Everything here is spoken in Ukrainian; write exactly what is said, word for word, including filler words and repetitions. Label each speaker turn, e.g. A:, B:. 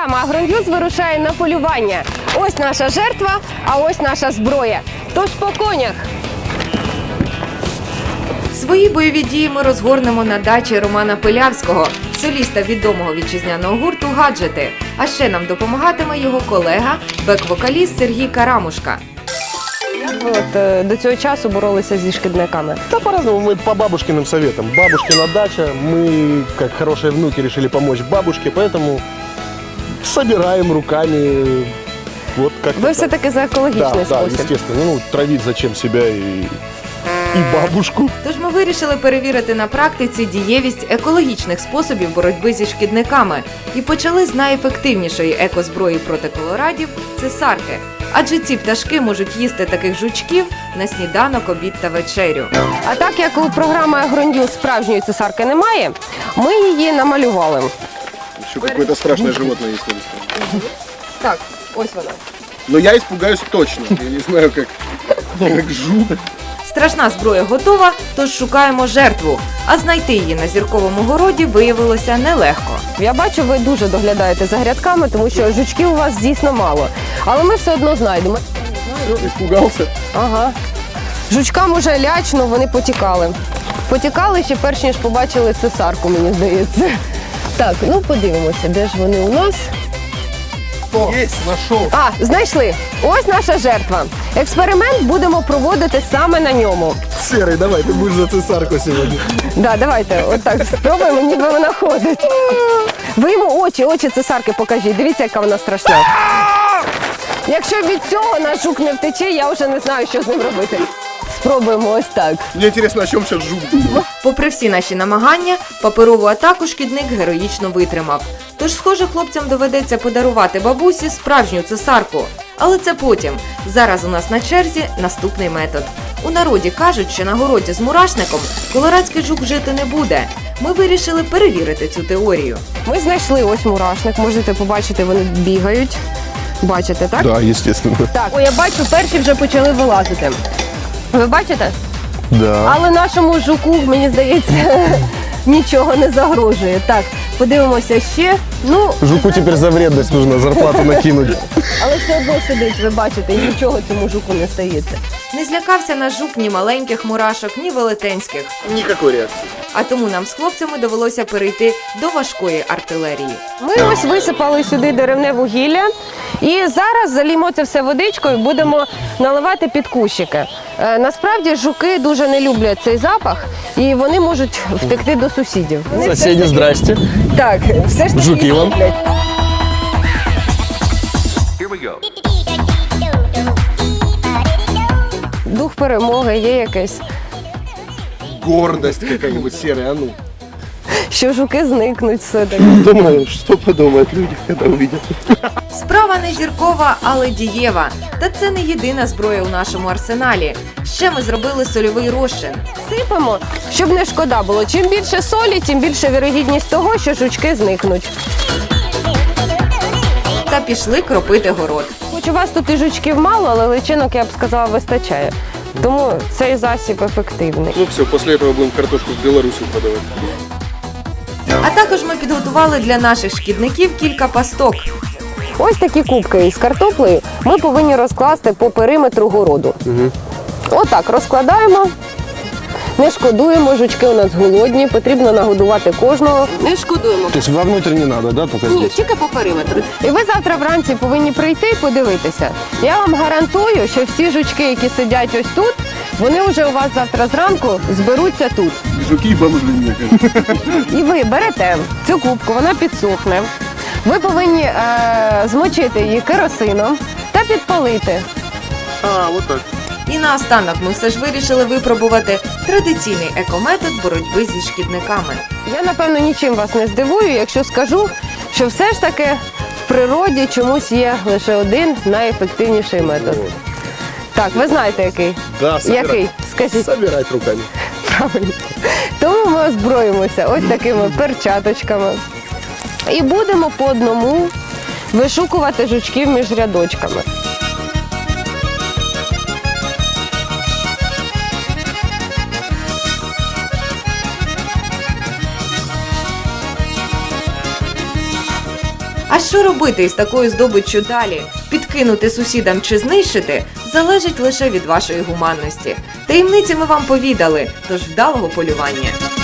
A: Програма «Агроньюз» вирушає на полювання. Ось наша жертва, а ось наша зброя. Тож по конях.
B: Свої бойові дії ми розгорнемо на дачі Романа Пилявського, соліста відомого вітчизняного гурту «Гаджети». А ще нам допомагатиме його колега, бек-вокаліст Сергій Карамушка.
A: Як ви от, е, до цього часу боролися зі шкідниками?
C: Да по-разному, мы по бабушкиным советам. Бабушкина дача, мы, как хорошие внуки, решили помочь бабушке, поэтому собираем руками, вот как-то
A: Ви
C: так.
A: все-таки за
C: Да,
A: екологічний
C: да,
A: спосіб.
C: естественно. Ну, травить зачем себя и, и бабушку.
B: Тож ми вирішили перевірити на практиці дієвість екологічних способів боротьби зі шкідниками і почали з найефективнішої екозброї проти колорадів – цесарки. Адже ці пташки можуть їсти таких жучків на сніданок, обід та вечерю.
A: А так як у програми «Агроньюз» справжньої цесарки немає, ми її намалювали.
C: Еще какое-то страшное животное есть.
A: Так, ось вона.
C: Но я испугаюсь точно. Я не знаю, как, как жук.
B: Страшна зброя готова, тож шукаємо жертву. А знайти її на зірковому городі виявилося нелегко.
A: Я бачу, ви дуже доглядаєте за грядками, тому що жучків у вас дійсно мало. Але ми все одно знайдемо.
C: Испугался.
A: Ага. Жучкам уже лячно, вони потікали. Потікали ще перш ніж побачили цесарку, мені здається. Так, ну подивимося, де ж вони у нас.
C: Есть, нашел.
A: А, знайшли. Ось наша жертва. Експеримент будемо проводити саме на ньому.
C: Серый, давай, ты будешь за цесарку сегодня.
A: Да, давайте, отак спробуємо, ніби вона ходить. Ви йому очі, очі цесарки покажіть. Дивіться, яка вона страшна. Якщо від цього наш жук не втече, я вже не знаю, що з ним робити. Спробуємо ось так.
C: Мне интересно, о чем сейчас жук думает.
B: Попри всі наші намагання, паперову атаку шкідник героїчно витримав. Тож, схоже, хлопцям доведеться подарувати бабусі справжню цесарку. Але це потім. Зараз у нас на черзі наступний метод. У народі кажуть, що на городі з мурашником колорадський жук жити не буде. Ми вирішили перевірити цю теорію.
A: Ми знайшли ось мурашник, можете побачити, вони бігають. Бачите, так?
C: Да, естественно.
A: Так, о, я бачу, перші вже почали вилазити. Ви бачите?
C: Да.
A: Але нашому жуку, мені здається, нічого не загрожує. Так, подивимося ще. Ну,
C: Жуку теперь за вредность нужно зарплату накинуть.
A: але все одно сидить, ви бачите, і нічого цьому жуку не стається.
B: Не злякався наш жук ні маленьких мурашок, ні велетенських.
C: Никакой реакции.
B: А тому нам з хлопцями довелося перейти до важкої артилерії.
A: Ми ось висипали сюди деревне вугілля і зараз залімо це все водичкою, будемо наливати під кущики. Е, насправді жуки дуже не люблять цей запах і вони можуть втекти до сусідів. Вони все ж
C: Соседи,
A: таки-
C: здрасте.
A: Так, все ж таки
C: Жуки вам.
A: люблять. Дух перемоги є якийсь,
C: Гордость какая-нибудь серая, а ну.
A: що жуки зникнуть все-таки.
C: Думаю, что подумают люди, когда увидят.
B: Справа не зіркова, але дієва. Та це не єдина зброя у нашому арсеналі. Ще ми зробили сольовий розчин.
A: Сипемо, щоб не шкода було. Чим більше солі, тим більше вірогідність того, що жучки зникнуть.
B: Та пішли кропити город.
A: Хоч у вас тут і жучків мало, але личинок, я б сказала, вистачає. Тому цей засіб ефективний.
C: Ну все, после этого будем картошку в Белоруссию подавать.
B: А також ми підготували для наших шкідників кілька пасток.
A: Ось такі кубки із картоплею ми повинні розкласти по периметру городу.
C: Угу.
A: Отак розкладаємо. Не шкодуємо, жучки у нас голодні, потрібно нагодувати кожного. Не шкодуємо.
C: То есть вовнутрь не надо, да, только
A: Ні,
C: здесь?
A: тільки по периметру. І ви завтра вранці повинні прийти і подивитися. Я вам гарантую, що всі жучки, які сидять ось тут, вони вже у вас завтра зранку зберуться тут.
C: Жуки и бомжи, мне кажется.
A: І ви берете цю кубку, вона підсохне. Ви повинні е, змочити її керосином та підпалити.
C: А, вот так.
B: І наостанок ми все ж вирішили випробувати традиційний екометод боротьби зі шкідниками.
A: Я, напевно, нічим вас не здивую, якщо скажу, що все ж таки в природі чомусь є лише один найефективніший метод. Так, ви знаєте який?
C: Да, собирать.
A: Який? Скажіть.
C: Собирать руками.
A: Правильно. Тому ми озброїмося ось такими перчаточками. І будемо по одному вишукувати жучків між рядочками.
B: А що робити із такою здобиччю далі? Підкинути сусідам чи знищити залежить лише від вашої гуманності. Таємниці ми вам повідали, тож вдалого полювання!